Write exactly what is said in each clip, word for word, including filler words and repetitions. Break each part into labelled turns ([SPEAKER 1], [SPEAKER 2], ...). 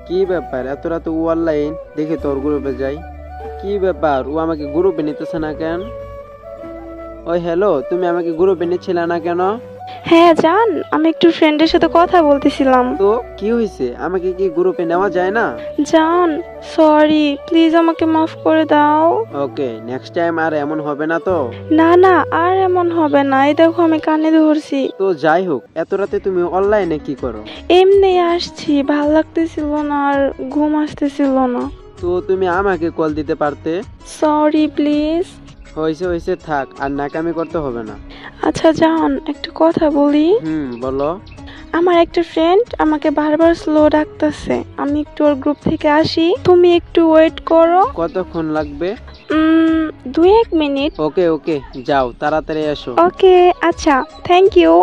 [SPEAKER 1] কি ব্যাপার এত রাতে ও অনলাইন? দেখি তোর গ্রুপে যাই। কি ব্যাপার, ও আমাকে গ্রুপে নিতেছে না কেন? ওই হ্যালো, তুমি আমাকে গ্রুপে নিচ্ছিলে না কেন?
[SPEAKER 2] হ্যাঁ জান, আমি একটু ফ্রেন্ডের সাথে কথা বলতেছিলাম।
[SPEAKER 1] তো কি হয়েছে, আমাকে কি গ্রুপে নেওয়া যায় না?
[SPEAKER 2] জান, সরি, প্লিজ আমাকে মাফ করে দাও।
[SPEAKER 1] ওকে, নেক্সট টাইম আর এমন হবে না তো?
[SPEAKER 2] না না, আর এমন হবে না। এই দেখো আমি কানে ধরছি।
[SPEAKER 1] তো যাই হোক, এত রাতে তুমি অনলাইনে কি করো?
[SPEAKER 2] এমনি আসছি, ভাল লাগতেছিল না আর ঘুম আসতেছিল না।
[SPEAKER 1] তো তুমি আমাকে কল দিতে পারতে।
[SPEAKER 2] Sorry please.
[SPEAKER 1] হয়েছে হয়েছে, থাক, আর নাকামি করতে হবে না।
[SPEAKER 2] আচ্ছা জান, একটা কথা বলি।
[SPEAKER 1] হুম, বলো।
[SPEAKER 2] আমার একটা ফ্রেন্ড আমাকে বারবার স্লো ডাকতেছে, আমি একটু ওর গ্রুপ থেকে আসি, তুমি একটু ওয়েট করো।
[SPEAKER 1] কতক্ষণ লাগবে?
[SPEAKER 2] উম, দুই এক মিনিট।
[SPEAKER 1] ওকে ওকে, যাও তাড়াতাড়ি এসো।
[SPEAKER 2] ওকে, আচ্ছা, থ্যাংক ইউ।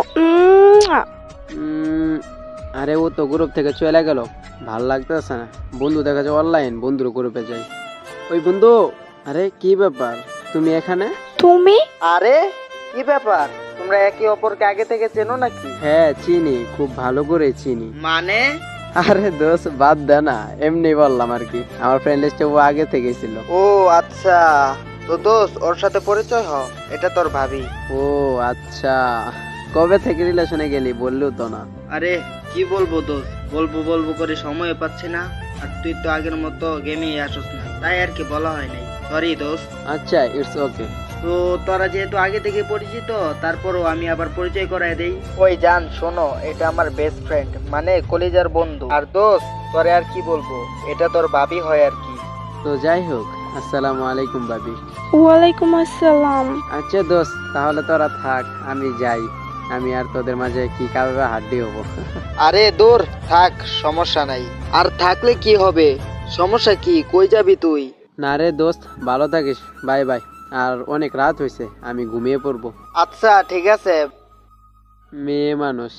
[SPEAKER 1] উম, আরে ও তো গ্রুপ থেকে চলে গেল, ভাল লাগতেছে না। বন্ধু দেখা যায় অনলাইন, বন্ধুর গ্রুপে যাই। ওই বন্ধু, আরে কি ব্যাপার তুমি এখানে?
[SPEAKER 2] তুমি?
[SPEAKER 3] আরে কি ব্যাপার, তোমরা একে অপরকে আগে থেকে চেনো নাকি?
[SPEAKER 1] হ্যাঁ চিনি, খুব ভালো করে চিনি।
[SPEAKER 3] মানে?
[SPEAKER 1] আরে দোস্ত বাদ দে না, এমনি বললাম আর কি। আমার ফ্রেন্ড লিস্টে ও আগে থেকে ছিল।
[SPEAKER 3] ও আচ্ছা, তো দোস্ত ওর সাথে পরিচয় হ, এটা তোর ভাবি।
[SPEAKER 1] ও আচ্ছা, কবে থেকে রিলেশনে গেলি বললেও তো না।
[SPEAKER 3] আরে কি বলবো দোস্ত, বলবো বলবো করে সময় পাচ্ছি না, আর তুই তো আগের মতো গেমেই আসস না, তাই আর কি বলা হয় নাই, সরি দোস্ত।
[SPEAKER 1] আচ্ছা, ইটস ওকে।
[SPEAKER 3] তো তোরা যেহেতু আগে থেকে পরিচিত, তারপরও আমি আবার পরিচয় করায় দেই। ওই জান শোনো, এটা আমার বেস্ট ফ্রেন্ড, মানে কলিজার বন্ধু। আর দোস্ত তোরে আর কি বলবো, এটা তোর ভাবি হয় আর কি।
[SPEAKER 1] তো যাই হোক, আসসালামু আলাইকুম ভাবি।
[SPEAKER 2] ওয়ালাইকুম আসসালাম।
[SPEAKER 1] আচ্ছা দোস্ত, তাহলে তোরা থাক, আমি যাই। আমি আর তোদের মাঝে কি কারোর হাড্ডি হবো?
[SPEAKER 3] আরে দূর থাক, সমস্যা নাই। আর থাকলে কি হবে, সমস্যা কি, কই যাবি তুই?
[SPEAKER 1] না রে দোস্ত, ভালো থাকিস, বাই বাই। আর অনেক রাত হয়েছে, আমি ঘুমিয়ে পড়বো।
[SPEAKER 3] আচ্ছা ঠিক আছে।
[SPEAKER 1] মেয়ে মানুষ।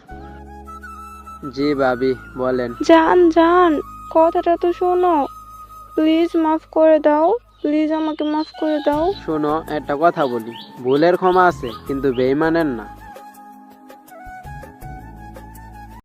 [SPEAKER 1] জি ভাবি, বলেন।
[SPEAKER 2] জান জান, কথাটা তো শোনো, প্লিজ মাফ করে দাও, প্লিজ আমাকে মাফ করে দাও।
[SPEAKER 1] শোনো, একটা কথা বলি, ভুলের ক্ষমা আছে কিন্তু বেইমানের না।